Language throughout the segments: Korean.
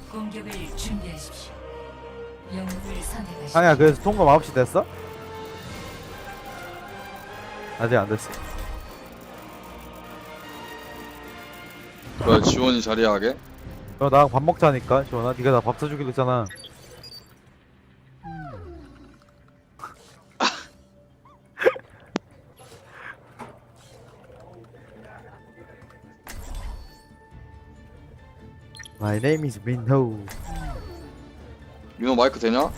공격을 준비하십시오. 영웅을 선택하십시오. 아니야 그래서 통과 9시 됐어? 아직 안 됐어. 뭐야 지원이 자리하게? 나랑 밥 먹자니까 지원아. 네가 나 밥 사주기로 했잖아. My name is Minho. 민호 마이크 되냐?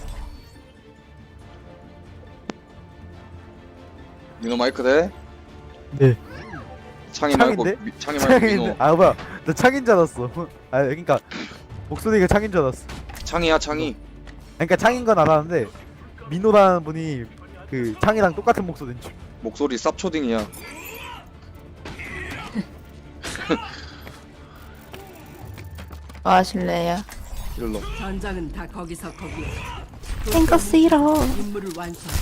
민호 마이크 돼? 네. 창이 말고 창인데? 창이 말고 민호. 창인. 아 뭐야? 나 창인 줄 알았어. 아 그러니까 목소리가 창인 줄 알았어. 창이야 창이. 그러니까 창인 건 알았는데 민호라는 분이 그 창이랑 똑같은 목소리인 줄. 목소리 쌉초딩이야. 뭐 하실래요? 힐러. 전장은 다 거기서 거기에. 탱커 싫어. 임무를 완성.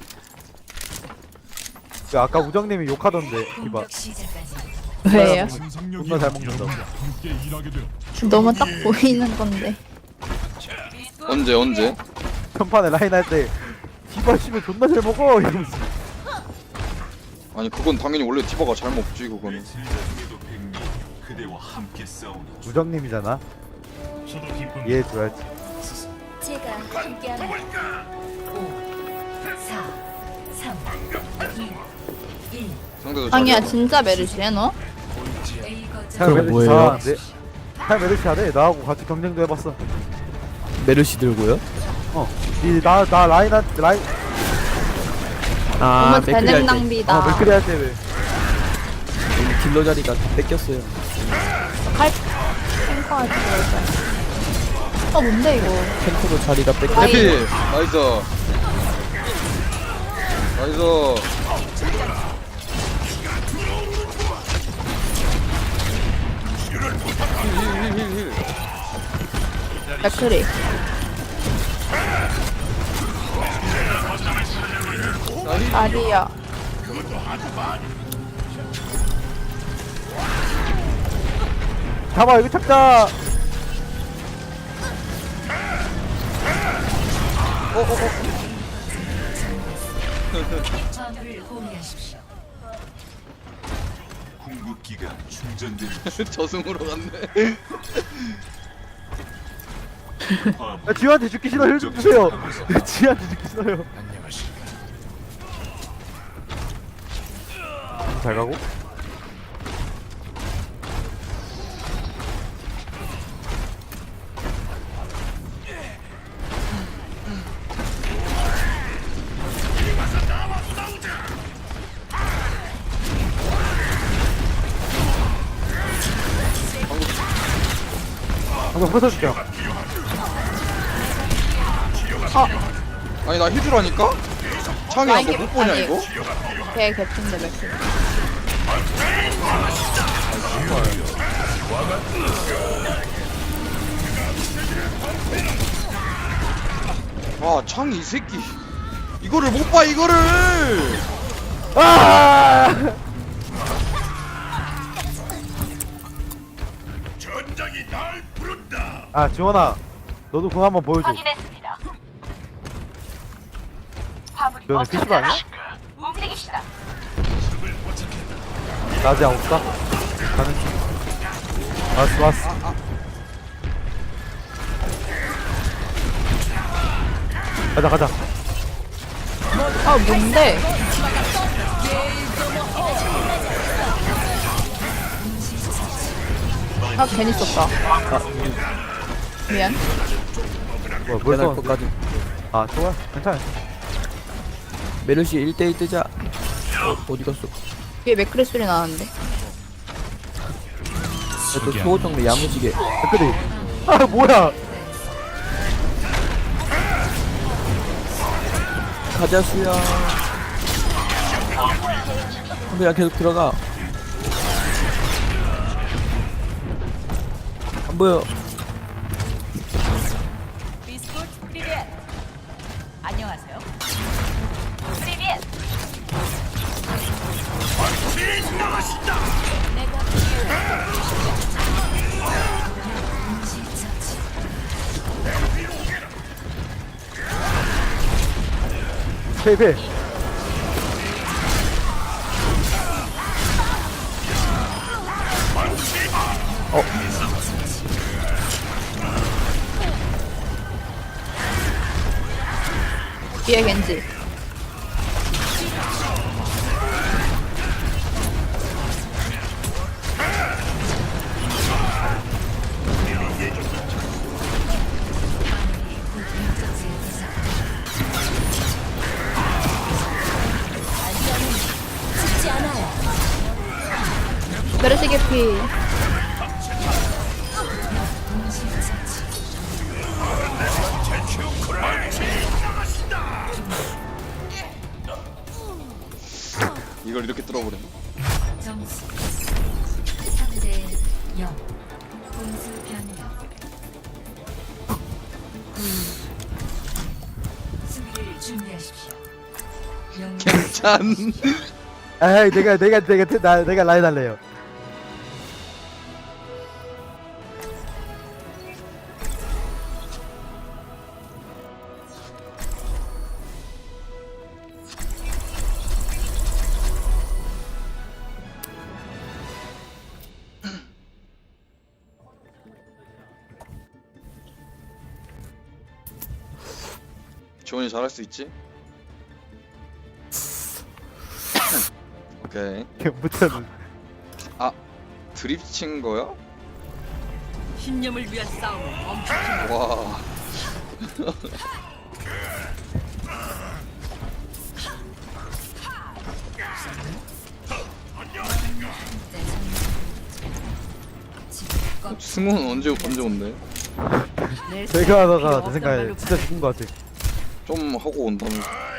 그 아까 우정님이 욕하던데 디바. 공격 시작까지 왜요? 존나 잘 먹는다고. 너무 딱 보이는 건데. 언제? 편판에 라인 할 때 디바 씨발 존나 잘 먹어 이러면서. 아니 그건 당연히 원래 디바가 잘 먹지 그거는. 우정님이잖아. 이해해줘야지. 제가 함께합니다. 5, 4, 3, 2, 1. 상대도 아니야 잘해. 진짜 메르시야 너? A 거점 잘 메르시 뭐예요? 잘하는데? 잘 메르시 하래. 나하고 같이 경쟁도 해봤어. 메르시 들고요? 나 라인 아, 너무 맥크리 할 재능 때. 낭비다. 맥크리 할 때 왜? 여기 딜러 자리가 뺏겼어요. 칼 탱커 하지 말자. 뭔데 이거? 탱커도 자리가 뺏겼어요. 아이. 해피 나이스. 나이스. 힐힐힐힐. 맥크리. 아리야. 잡아 여기 찾자. 화물을 호위하십시오. 저승으로 갔네. 야, 지우한테 죽기 싫어. 힐 좀 주세요. 지우한테 죽기 싫어요. 잘 가고. 한번 부숴줄게. 아니 나 힐주라니까? 창이야 너 못 보냐 이거? 걔 개핀데 맥크리. 아 창이 이 새끼 이거를 못 봐 이거를. 아! 아 지원아, 너도 그거 한번 보여줘. 너네 PC방 아니야? 나 아직 안 없다. 가는 중. 왔어. 가자. 뭔데? 괜히 썼다. 미안. 뭐야 할 벌써? 것까지. 아 좋아, 괜찮아. 메르시 1대1 뜨자. 어디 갔어? 뒤에 맥크리 소리 나는데. 또 소호정리 야무지게. 댓글이. 아 뭐야? 가자 수야. 그냥 계속 들어가. 안 보여. 안녕하세요. 페이페. 뒤에 겐지. 메르시 개피. 이걸 이렇게 뚫어버렸네. 점수 3대 0. 공수 변경. 수비를 준비하십시오. 영웅 괜찮. 에이 내가 라인 할래요. 지원이 잘할 수 있지? 오케이. 무튼 드립 친 거야? 신념을 위한 싸움을 멈추지 마. 와. 승우는 언제 온대? 내 제가 하다가 필요 내 생각에 없단 진짜 죽은 것 같아. 좀 하고 온다면.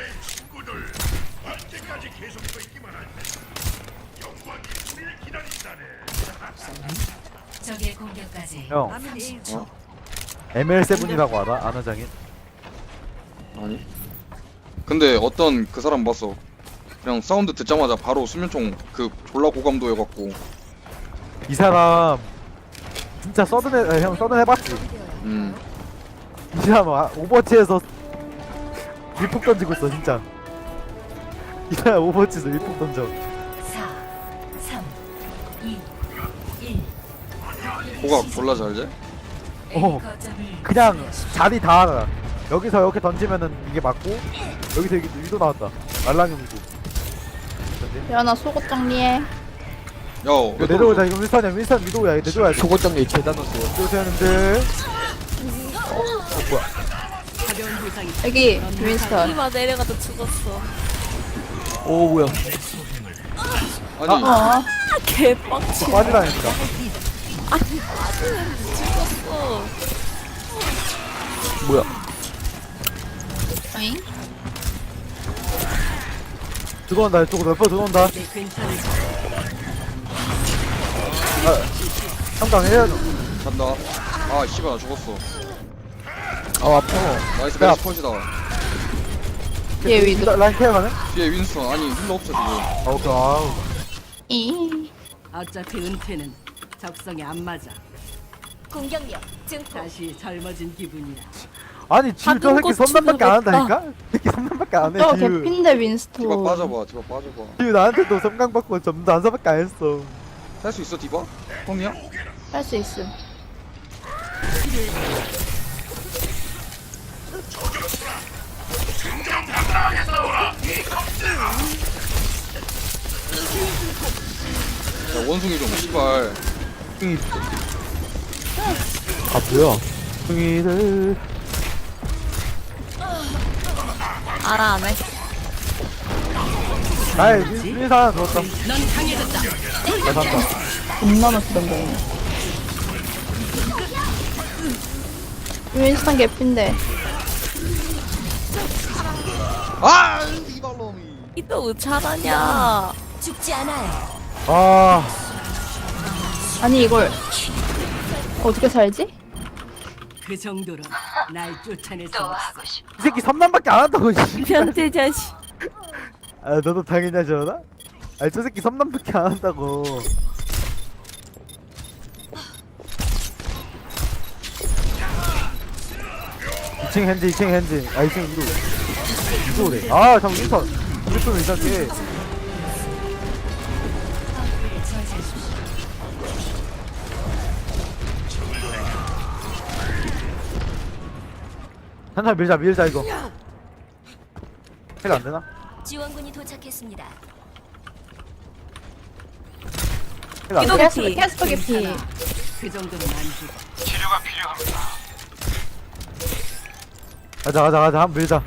적의 공격까지 형, 30초. ML7이라고 알아? 아나장인? 아니. 근데 어떤 그 사람 봤어. 그냥 사운드 듣자마자 바로 수면총 그 졸라 고감도 해갖고. 이 사람 진짜 형 서든 해봤지? 이 사람 오버워치에서 밀폭 던지고 있어 진짜. 이 사람 오버워치에서 밀폭 던져. 4, 3, 2, 1. 고각 졸라 잘 돼? 어, 그냥 자리 다 알아. 여기서 이렇게 던지면은 이게 맞고 여기서 여기 위도 나왔다. 말랑이고. 야나 속옷 정리해. 야, 이거 내려오자. 이거 윈선 위도야. 이거 내려와야 돼. 속옷 정리 재단 넣었어요. 이러세요 형님들. 가벼운 부상이 여기 윈스턴. 이마 내려가다 죽었어. 오 뭐야? 아니 어. 개빡치. 빠지라니까. 죽었어. 뭐야? 어잉? 들어온다. 이쪽으로 몇 번 들어온다. 내 괜찮을 상당 해야죠. 간다. 아 씨발 나 죽었어. 아 아파. 나이스 야. 베이스 컷이다. 뒤에 위도. 라인 케어 가네? 뒤에 윈스턴 아니 힐러 없어 지금. 오케이. 아우. 이. 어차피 은퇴는 적성에 안 맞아. 공격력 증폭. 다시 젊어진 기분이야. 아니 지금 저 새끼 꽃 선남밖에 안 주는 한다니까? 새끼 선남밖에 안 해. 저 지금. 개핀데 윈스턴. 디바 빠져봐. 디바 빠져봐. 지금 나한테도 섬광 받고 점도 안 사밖에 안 했어. 할 수 있어 디바? 홈이야? 할 수 있음. 야 원숭이 좀 씨발. 승이 아 뭐야? 승이를 알아 안 해. 나의 윈사 하나 들었다. 넌 강해졌다. 나 산다. 겁나 맛있던 거. 윈스턴 개핀데. 아 이발놈이. 이또 의차라냐? 죽지 않아요. 아, 아니 이걸 어떻게 살지? 그 정도로 날 쫓아낼 수 없어. 이 새끼 섬남밖에 안 한다고. 씨. 변태 자식. 아, 너도 당연히 하지 않아? 아니 저 새끼 섬남밖에 안 한다고. (2층) 핸즈 2층 핸즈. 아 2층 위로. 위도래. 아 잠깐 윈선. 윈선은 이상해. 한참 밀자 이거. 해가 안 되나? 지원군이 도착했습니다. 해가 안 기도 되나? 개피. 캐스터 개피. 그 정도는 안 죽어. 가자 한번 밀자.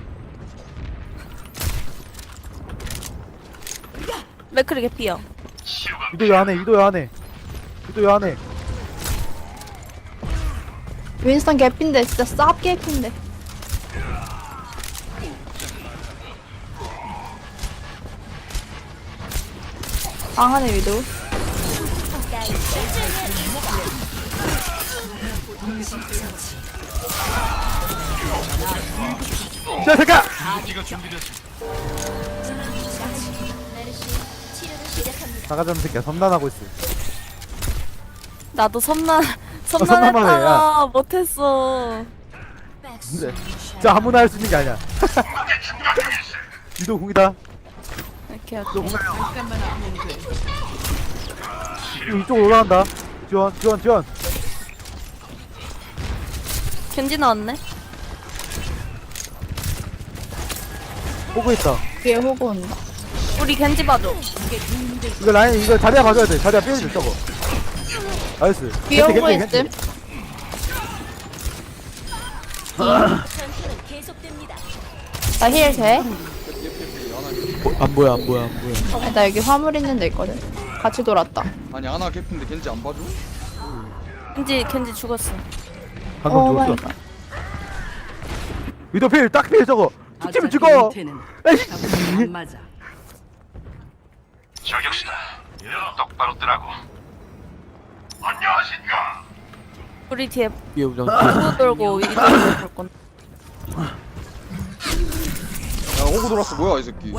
맥크리 개피요. 위도야 안해. 윈스턴 개피인데 진짜 쌉 개피인데. 방 안에 위도. 자 잠깐. 나가자는 새끼야 섬난하고 있어. 나도 섬난하네, 섬난했다가 못했어. 근데 진짜 아무나 할 수 있는 게 아니야. 위도 공이다. 이렇게 위도 할게. 공이야. 잠깐만 하면 돼. 이쪽으로 올라간다. 지원. 겐지 나왔네. 보고 있다. 뒤에 호구 온다. 우리 겐지 봐줘. 이거 라인 이거 자리야 가져야 돼. 자리야 빼야지 저거. 나이스. 뒤에 겐지, 호구 겐지, 있음. 겐지. 전투는 계속됩니다. 나 힐 돼? 안 보여. 아니, 나 여기 화물 있는 데 있거든. 같이 돌았다. 아니 하나 개핀데 겐지 안 봐줘? 겐지 죽었어. 방금 오 마이 죽었어. 갓. 위도 필 저거. 툭치면 어차피 죽어. 은퇴는 에이씨. 답은 안 맞아. 저격수다. 똑바로 뜨라고. 안녕하신가? 우리 뒤에 위에 우정. 푸 돌고 이쪽으로 볼 건데. 야 오고 돌았어 뭐야 이 새끼.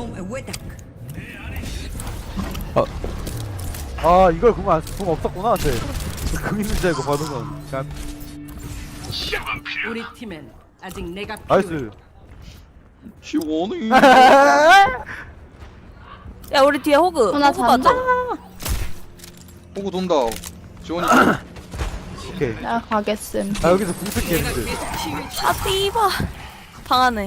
아 이걸 궁 없었구나. 쟤. 궁 있는 줄 알고 받은 건. 자, 시간 필요. 우리 팀엔 아직 내가 필요해. 나이스. 시원해. 야 우리 뒤에 호그. 나 호그 잔다. 봐줘. 오고 돈다. 지원이. 오케이. 나 가겠음. 아 여기서 궁 쓸게 했는데. 아 띠바. 방 안에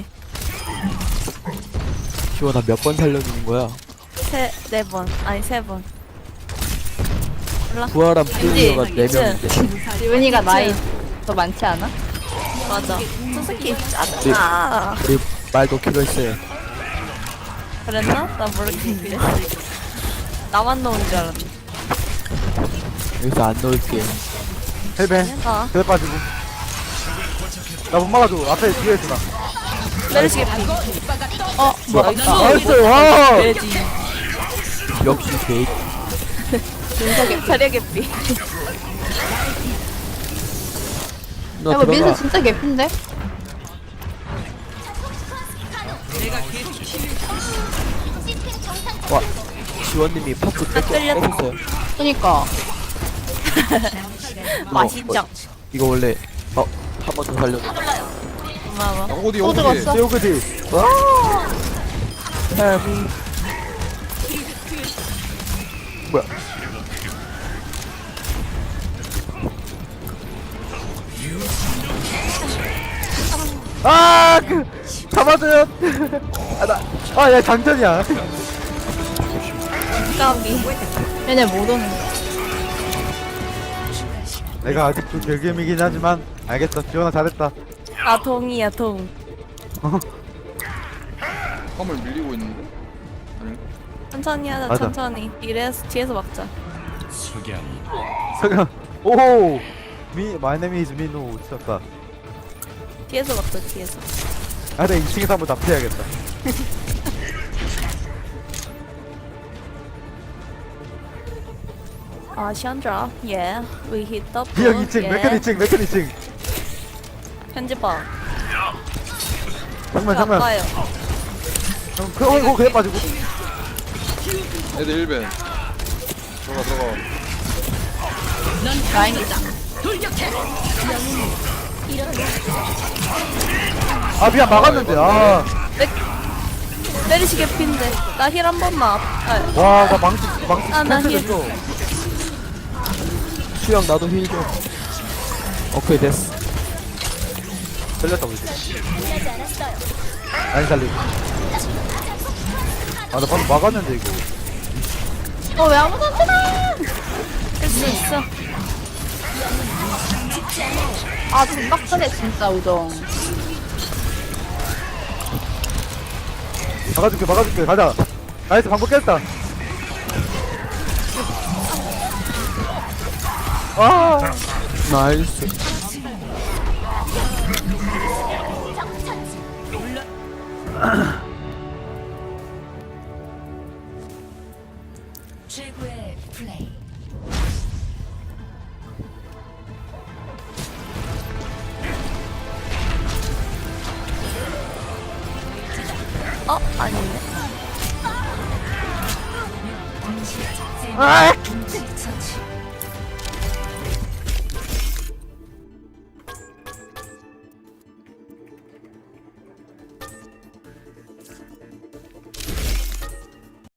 지원아 몇 번 살려주는 거야? 네 번. 아니 3번. 몰라. 부활한 플레이어가 겐지, 4명인데. 지훈이가 나이 더 많지 않아? 맞아. 저 새끼 짰다. 우리 말도 키로했어요. 그랬나? 나 모르겠는데. 나만 넣은 줄 알았네. 여기서 안 넣을게. 헬벤. 아, 그래 빠지고. 나 못 막아줘. 앞에 뒤에 있어 나. 메르시 개피. 뭐야? 나이스. 나이스. 와. 돼지. 역시 개. 자리야 개피. 야, 너 이거 민수 들어가. 진짜 개피인데? 와. 지원님이 파트 뺏었어요. 그니까. 맛있죠? 이거 원래 한 번 더 살려줘. 고마워. 어디 또 어디. 들어갔어? 세우그디. 뭐야? 아, 잡아줘요. 야, 장전이야. 까비. 얘네 못 오는 거야. 내가 아직도 결겜이긴 하지만, 알겠어. 지원아, 잘했다. 아 동이야 동. 화물 밀리고 있는데. 아니. 천천히 하자. 맞아. 천천히. 뒤에서 막자. 잠깐. 오, my name is 민우. 미쳤다. 뒤에서 막자. 뒤에서. 아, 내가 2층에서 한번 납치해야겠다. 아 샨드라. Yeah. We hit the 비형 ball. 2층, 맥클 2층, 맥클 2층. 편집봐. 정면, 정면. 아까요. 그래 빠지고. 애들 1벤. 들어가. 라인이다. 아 미안 막았는데. 아. 메리시 개피인데 나 힐 한 번만. 와, 나 망치 아, 나 캔슬했어. 수영 나도 힐 좀. 오케이 됐어. 걸렸다 우리. 끝나지 않았어요. 아니 살리. 아, 나 방금 막았는데 이거. 왜 아무도 안 뜨나? 할 수 있어. 아, 존나 크네, 진짜, 우정. 막아줄게. 가자. 나이스, 방금 깼다. 아, 나이스. 최고의 플레이. 아닌데. 아,